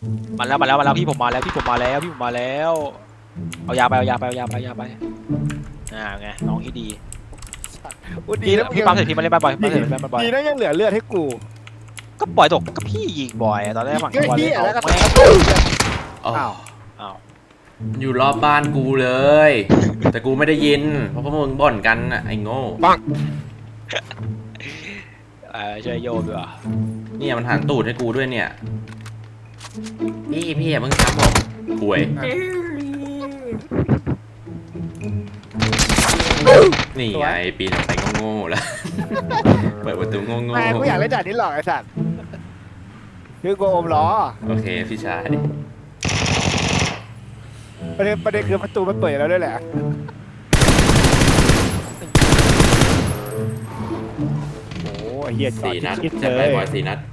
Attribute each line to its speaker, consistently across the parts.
Speaker 1: มาแล้วพี่ผมมาแล้วเอายาไปไงน้องที่ดีพี่ปั๊มเสร็จพี่มาเล่นบ้านบ่อย
Speaker 2: ดีนะยังเหลือเลือดให้กู
Speaker 1: ก็ปล่อยตกก็พี่ยิงบ่อยตอนแรกฝั่งบอลเลย
Speaker 2: แล้วก็
Speaker 1: แม่
Speaker 2: อ้าว
Speaker 1: อ้าว
Speaker 3: อยู่รอบบ้านกูเลย แต่กูไม่ได้ยิน เพราะพวกมึงบ่นกันน่ะไอ้โง่
Speaker 1: ช่วยโยมด้วย
Speaker 3: เนี่ยมันหันตูดให้กูด้วยเนี่ยพี่อย่าเพิ่งทำผมป่วยนี่ไงปีนออกไปโง่ๆแล้ว เปิดประตูโง่
Speaker 2: แม่กูอยากเล่นด่านนี้หรอกไอ้สัตว์คือกูอมล้อ
Speaker 3: ๆโอเคพี่ชาย
Speaker 2: ประเด็นคือประตูมันเปิดแล้วด้วยแหละโอ้ยเฮียจอด
Speaker 3: 4 นัด
Speaker 2: คิด
Speaker 3: จะ
Speaker 2: เล
Speaker 3: ไป
Speaker 2: ย
Speaker 3: บอย4 นัด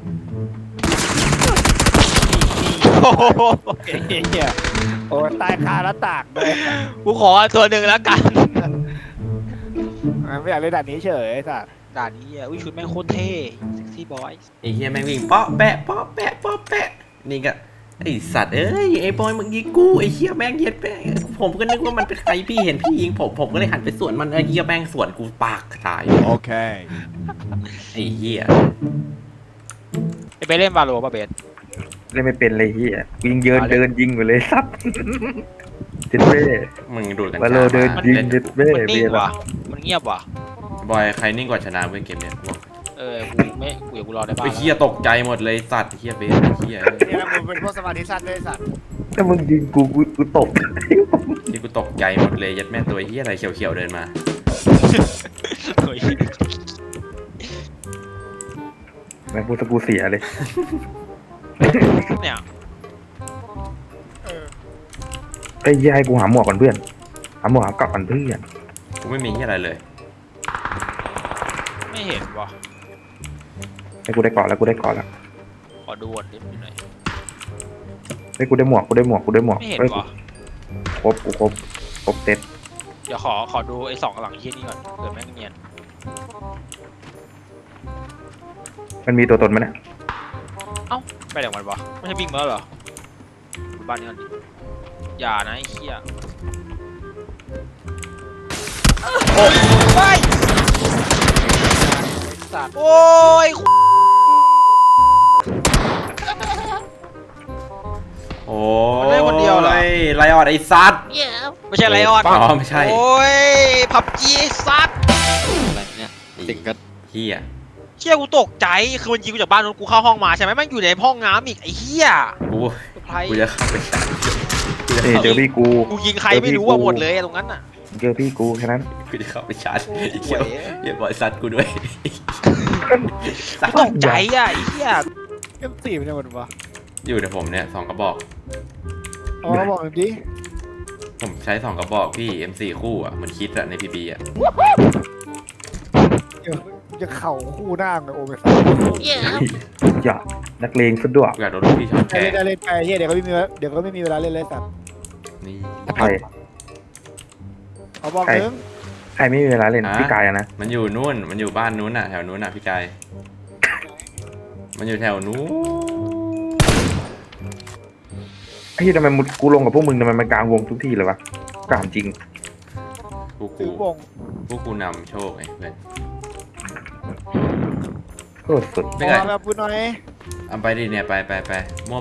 Speaker 1: โอ้โห
Speaker 2: เฮียโอ้ยตายคาหน้าต่างเลย
Speaker 1: กูขอตัวหนึ่งแล้วกัน
Speaker 2: ไม่อยากเล่นด่านนี้เฉยไอ้สัตว์
Speaker 1: ด่านนี้อุ้ยชุดแม่งโคตรเท่เซ็กซี่บอย
Speaker 3: ไอ้เฮียแม่งวิ่งเปาะแปะนี่ก็ไอ้สัตว์เอ้ยไอ้บอยมึงยิงกูไอ้เฮียแม่งเย็ดแม่งผมก็นึกว่ามันเป็นใครพี่เห็นพี่ยิงผมก็เลยหันไปสวนมันไอ้เฮียแม่งสวนกูปากตาย
Speaker 2: โอเค
Speaker 3: ไอ้เฮีย
Speaker 1: ไปเล่นวาโลป่ะเบส
Speaker 4: เล่นไม่เป็นเลยเฮียยิงเดินยิงไปเลยซับเจ็ดเบ้
Speaker 3: มึงดูดกัน
Speaker 4: วาโลเดินยิงเจ็ดเบ้
Speaker 1: มันนิ่
Speaker 4: เบีย
Speaker 1: ง
Speaker 4: ร์
Speaker 1: ว่ะมันเงียบว่ะ
Speaker 3: บอยใครนิ่งกว่าชนะเว้ยเกมเนี้ยบอก
Speaker 1: กูรอได้บ้าง
Speaker 3: ไอ้เฮียตกใจหมดเลยสัตว์ไอ้เฮียเบสไอ้เฮีย
Speaker 2: นี่นะมึงเป็นพวกสมาธิสั้นด้วยไอ้สัตว์
Speaker 4: ถ้ามึงยิงกูตบ
Speaker 3: นี่กูตกใจหมดเลยยัดแม่ตัวไอ้เฮียอะไรเขียวๆเดินมา
Speaker 4: แม่งพูดตะกูเสียเลย
Speaker 1: เนี่ย
Speaker 4: ไอ้ยายกูหาหมวกก่อนเพื่อนหาหมวกหากลับกันเพื่อน
Speaker 3: กูไม่มีเฮียอะไรเลย
Speaker 1: ไม่เห็นว่ะ
Speaker 4: ไอ้กูได้เกาะแล้วกูได้เกาะแล้ว
Speaker 1: ขอดูวนนิดหน่อย
Speaker 4: ไอ้กูได้หมวก
Speaker 1: ไม่เห็น
Speaker 4: เฮ้ย
Speaker 1: ว่ะ
Speaker 4: ครบเซ็ต
Speaker 1: เดี๋ยวขอดูไอ้สองหลังที่นี่ก่อนเผื่อแม่งเนียน
Speaker 4: มันมีตัวตนไหมเนี่ย
Speaker 1: ไปไหนมันวะไม่ใช่วิ่งมาแล้วเหรอดูบ้านนี้ก่อนดิอย่านะไอ้เหี้ยโอ้ย
Speaker 2: สัตว์
Speaker 1: โอ้ย
Speaker 3: โอ้
Speaker 1: มันได้คนเดียวเหรอ
Speaker 3: ไลออดไอ้สัตว์
Speaker 1: ไม่ใช่ไลออน
Speaker 3: อ๋อไม่ใช่
Speaker 1: โอ้ยพับจีซัด
Speaker 3: อะไรเนี่ยติงก็เฮีย
Speaker 1: เชี่ยกูตกใจคือมันยิงกูจากบ้านนู้นกูเข้าห้องมาใช่ไหมแม่งอยู่ในห้องน้ำอีกไอ้เหี้ย
Speaker 3: กู
Speaker 1: ไพร
Speaker 3: กูจะเข้าไปชาร์จกูจะ
Speaker 4: เอ้ย
Speaker 3: เข้า
Speaker 4: เจอพี่กู
Speaker 1: กูยิงใครไม่รู้ว่าหมดเลยตรงนั้นน่ะ
Speaker 4: เจอพี่กูแค่นั้น
Speaker 3: กูจะเข้าไปชาร์จ
Speaker 1: โอ้ย
Speaker 3: ไอ้เหี้ยเหี้ยบอยสัตว์กูด้วย
Speaker 1: กูตกใจอ่ะไอ้เหี้ย
Speaker 2: เอ็มสี่เป็นยังไงวะ
Speaker 3: อยู่ในผมเนี่ย2 กระบอก
Speaker 2: เอามาบอกหน่อยดิ
Speaker 3: ผมใช้2 กระบอกพี่ M4 คู่อ่ะเหมือนคิดอะใน PB อ่ะ
Speaker 2: เดี๋ยวจะเข่าคู่หน้าเลยโอ้ย
Speaker 4: อย่านักเลงซะด้วย
Speaker 3: กูอยากโดนลูกพี่ช็อตแก
Speaker 2: ได้เล่นไปเฮียเดี๋ยวก็ไม่มีเวลาเล่นเลยสัตว์
Speaker 3: นี่
Speaker 4: ใคร
Speaker 2: เอาบอกนึง
Speaker 4: ใครไม่มีเวลาเล่นพี่กายอะนะ
Speaker 3: มันอยู่นู่นมันอยู่บ้านนู้นน่ะแถวนู้นน่ะพี่กายมันอยู่แถวนู้น
Speaker 4: ไอ้ที่ทำไมกูลงกับพวกมึงทำไมมันกลางวงทุกที่เลยวะกลางจริง
Speaker 2: ถือวง
Speaker 3: พวกกูนำโชคไงเพื่อน
Speaker 4: โคตรสุด
Speaker 3: ไม่ไง
Speaker 2: เอาแบบพูดหน่อย
Speaker 3: เอาไปดิเนี่ยไปมัว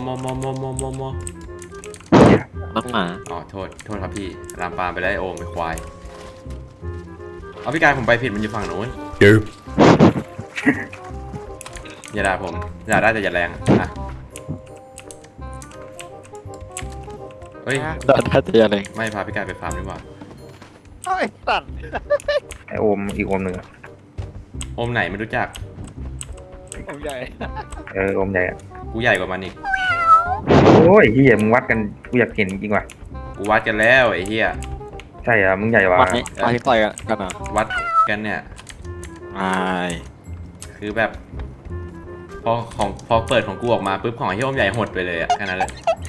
Speaker 4: อย่า
Speaker 5: น้องหมา
Speaker 3: อ๋อโทษครับพี่ลามปามไปได้โอมไปควายเอาพี่กายผมไปผิดมันอยู่ฝั่งนู้นอย่าด่าผมด่าได้แต่อย่าแรงอ่ะเฮ้ย
Speaker 5: ได้แต่ยังไง
Speaker 3: ไม่พาพี่กายไปฟาร์มดีกว่า
Speaker 2: เอ้ยสัตว์
Speaker 4: ไอโอมอีกโอมหนึ่งอะ
Speaker 3: โอมไหนไม่รู้จัก
Speaker 2: ผมใหญ่
Speaker 4: โอมใหญ่อะ
Speaker 3: กูใหญ่กว่ามันอีก
Speaker 4: โอ้ยเฮียมึงวัดกันกูอยากเห็นจริงว่ะ
Speaker 3: กูวัดกันแล้วไอ้เหี้ย
Speaker 4: ใช่อะมึงใหญ่กว่า
Speaker 5: มาที่ต่อยกันอ่ะ
Speaker 3: วัดกันเนี่ย
Speaker 5: ไม่
Speaker 3: คือแบบพอเปิดของกูออกมาปุ๊บของไอ้เหี้ยโอมใหญ่หดไปเลยอะแค่นั้นแหละ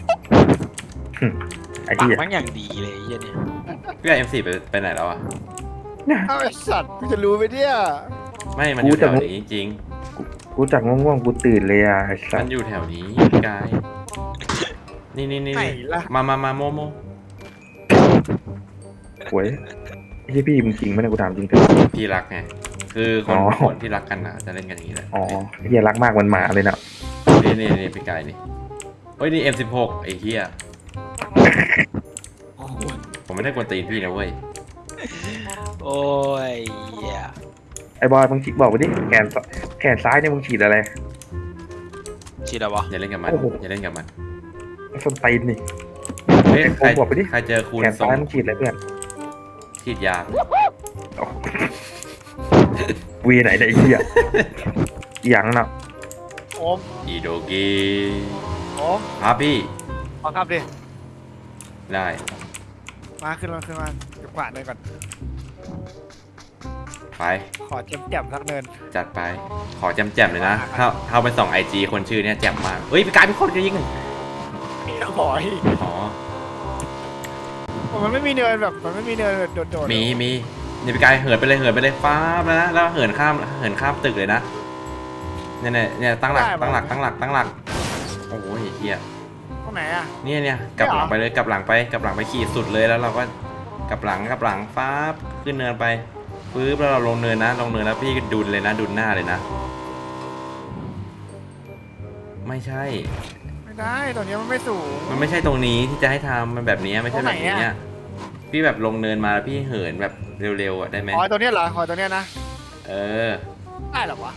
Speaker 4: ไอ้
Speaker 1: ปาก
Speaker 4: เฮีย
Speaker 1: มันอย่างดีเลยไอ้เหี้ยเนี่ย
Speaker 3: พี่กาย M4 ไปไหนแล้วอะ
Speaker 2: เอาไอ้สัตว์กูจะรู้ไหมเนี่ย
Speaker 3: ไม่มันอยู่แถวนี้จริง
Speaker 4: กูจากง่วงๆกูตื่นเลยอะไอ้สั
Speaker 3: มั
Speaker 4: ส
Speaker 3: นอยู่แถวนี้พี่กายนี่
Speaker 2: ไหนล่ะ
Speaker 3: มาโม
Speaker 4: หวยไอ้เหี้ยพี่มึงจริงไหมเนี่ยกูถามจริงเถอะ
Speaker 3: พี่รักไงคือค
Speaker 4: อ๋
Speaker 3: น
Speaker 4: อ
Speaker 3: คนที่รักกันนะจะเล่นกันอย่างนี้แหละ
Speaker 4: อ๋อเหี้ยรักมากเหมันหมาเลยนะ
Speaker 3: นี่พี่กายนี่เฮ้ยนี่ M16 ไอ้เหี้ยผมไม่ได้กวนตีนพี่นะเว้ย
Speaker 1: โอ้ยเหี้ย
Speaker 4: ไอ้บอยมึงฉีดบอกไปดิแขนซ้ายเนี่ยมึงฉีดอะไร
Speaker 1: ฉีดอะไรวะ
Speaker 3: อย่าเล่นกับมัน
Speaker 4: โอ้โห
Speaker 3: อย่าเล่นกับมัน
Speaker 4: ส้นตีนนี่
Speaker 3: เฮ้ยใคร
Speaker 4: บอกไปดิ
Speaker 3: ใครเจอคูณ
Speaker 4: แขน
Speaker 3: ส่ง
Speaker 4: ซ้ายมึงฉีดอะไรเพื่อน
Speaker 3: ฉีดยา
Speaker 4: วีไหนเนี่ยไอ้เหี้ยอย่างน่ะ
Speaker 2: โอม
Speaker 3: อีโดกี
Speaker 2: โอม
Speaker 3: ครับพี่
Speaker 2: เอาครับดิ
Speaker 3: ได้
Speaker 2: มาขึ้นมาเดี๋ยวกวาดเลยก่อน
Speaker 3: ไป
Speaker 2: ขอแจ่มๆสักเนิน
Speaker 3: จัดไปขอแจมๆเลยนะถ้าไปส่อง IG คนชื่อเนี้ยแจ่มมากเฮ้ยพี่กายพี่คนจะยิง
Speaker 2: บอย
Speaker 3: อ๋อ
Speaker 2: มันไม่มีเนินแบบมันไม่มีเนินโดดๆ
Speaker 3: มีนี่พี่กายเหินไปเลยฟ้าบแล้วนะแล้วเหินข้ามตึกเลยนะเนี่ยตั้งหลักโอ้ยเฮีย
Speaker 2: ตรงไหนอ่ะ
Speaker 3: เนี่ยกลับหลังไปเลยกลับหลังไปขี่สุดเลยแล้วเราก็กลับหลังฟ้าขึ้นเนินไปปึ๊บแล้วเราลงเนินแล้วพี่ดุนเลยนะดุนหน้าเลยนะไม่ใช่
Speaker 2: ไม่ได้ตรงนี้มันไม่สูง
Speaker 3: มันไม่ใช่ตรงนี้ที่จะให้ทำมันแบบนี้ไม่ใช่แบบนี้
Speaker 2: ตรงไหน
Speaker 3: เนี่ย
Speaker 2: อะ
Speaker 3: พี่แบบลงเนินมาแล้วพี่เหินแบบเร็วๆอ่ะได้ไหม
Speaker 2: ขอตัวเนี้ยเหรอขอตัวเนี้ยนะ
Speaker 3: เออ
Speaker 2: ได้เหรอวะ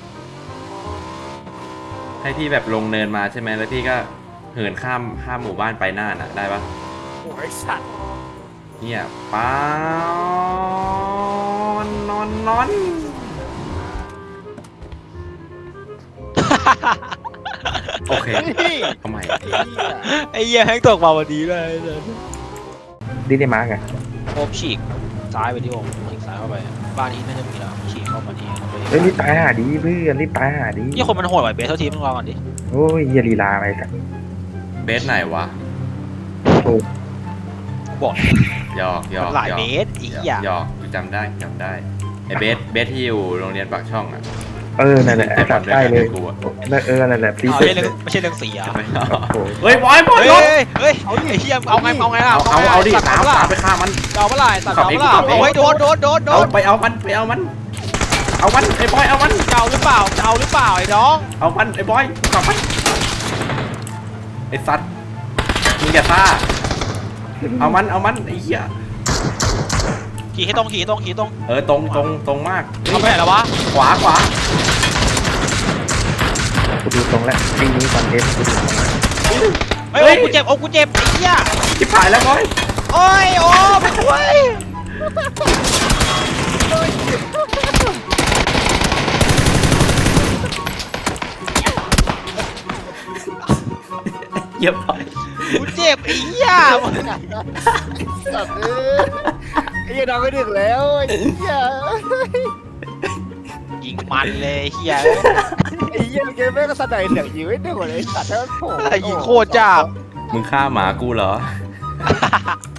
Speaker 3: ให้พี่แบบลงเนินมาใช่ไหมแล้วพี่ก็เหินข้ามหมู่บ้านไปหน้าน่ะได้ปะ
Speaker 2: โอ้ยสัตว์
Speaker 3: เนี่ยป้านอนโอเค
Speaker 2: นี่
Speaker 3: ทำไม
Speaker 1: ไอ้เหี้ยแฮงตกมาวันนี้เลย
Speaker 4: ดิได้มาร์กไง
Speaker 1: โอมฉีกซ้ายไปที่โอมฉีกซ้ายเข้าไปบ้านนี้น่าจะมีแล้วฉีกเข้ามานี่
Speaker 4: เฮ้ยรีบตายหาดีเพื่อนรีบตายหาดี
Speaker 1: นี่คนมันโหดกว่าเบสเท่าทีมึงลองก่อนดิ
Speaker 4: โอ้ยเหี้ยลีลาไปกัน
Speaker 3: เบสไหนวะ
Speaker 1: บอก
Speaker 3: หยอก
Speaker 1: มันหลายเบสอีกอย่าง
Speaker 3: หยอกจำได้ไอเบสที่อยู่โรงเรียนปากช่องอ่ะ
Speaker 4: เออนั่นแหละไอ้สัตว์ได้เลย
Speaker 3: กูอ่ะ
Speaker 4: นั่นแหละตี
Speaker 1: เอา
Speaker 4: เสร็จ
Speaker 1: ไม่ใช่เรื่องสีอ่ะ
Speaker 3: ไม่เอา
Speaker 4: โอ้โห
Speaker 3: เฮ้ยบอย
Speaker 1: เฮ้ย
Speaker 3: รถ
Speaker 1: เฮ้ยไอ้เหี้ยเอาไงล่ะ
Speaker 3: เอาดิ
Speaker 1: ตัด
Speaker 3: ตาม
Speaker 1: เปล่า
Speaker 3: ไปฆ่ามัน
Speaker 1: เอาเปล่าตัด
Speaker 3: ขับ
Speaker 1: เอา
Speaker 3: เอง
Speaker 1: เปล่า
Speaker 3: ขับเอง
Speaker 1: โอ้ยโดน
Speaker 3: เอาไปเอามันไอ้บอยเอามัน
Speaker 1: เก่าหรือเปล่าไอ้น้อง
Speaker 3: เอามันไอ้บอยกลับมันไอ้สัตว์มึงอย่าซ่าเอามันไอ้เหี้ย
Speaker 1: ขี่ให้ตรง
Speaker 3: เออตรงมาก
Speaker 1: เอาไปไหนแล้ววะ
Speaker 3: ขวา
Speaker 4: กูดูตรงแล้วปีนี้คอนเทนต์กูดูตรงแล้ว
Speaker 1: เฮ้ยกูเจ็บไอ้เหี้ย
Speaker 3: ชิบหายแล้วบอย
Speaker 1: โอ้ยโอ้ไปช่วย
Speaker 3: เยี่ยมไป
Speaker 1: กูเจ็บไอ้เหี้ย
Speaker 2: สัตว์ไอ้เหี้ยน้องไม่ดึกแล้วไอ้เหี้ย
Speaker 1: ยิงมันเลยไอ้เหี้ย
Speaker 2: ไอ้เหี้ยเกมแม่งก็สะใจเสียงยิงไม่ดึกเลยไอ้สัตว์แล้วโผล่
Speaker 1: ยิงโคตรจ้า
Speaker 3: มึงฆ่าหมากูเหรอ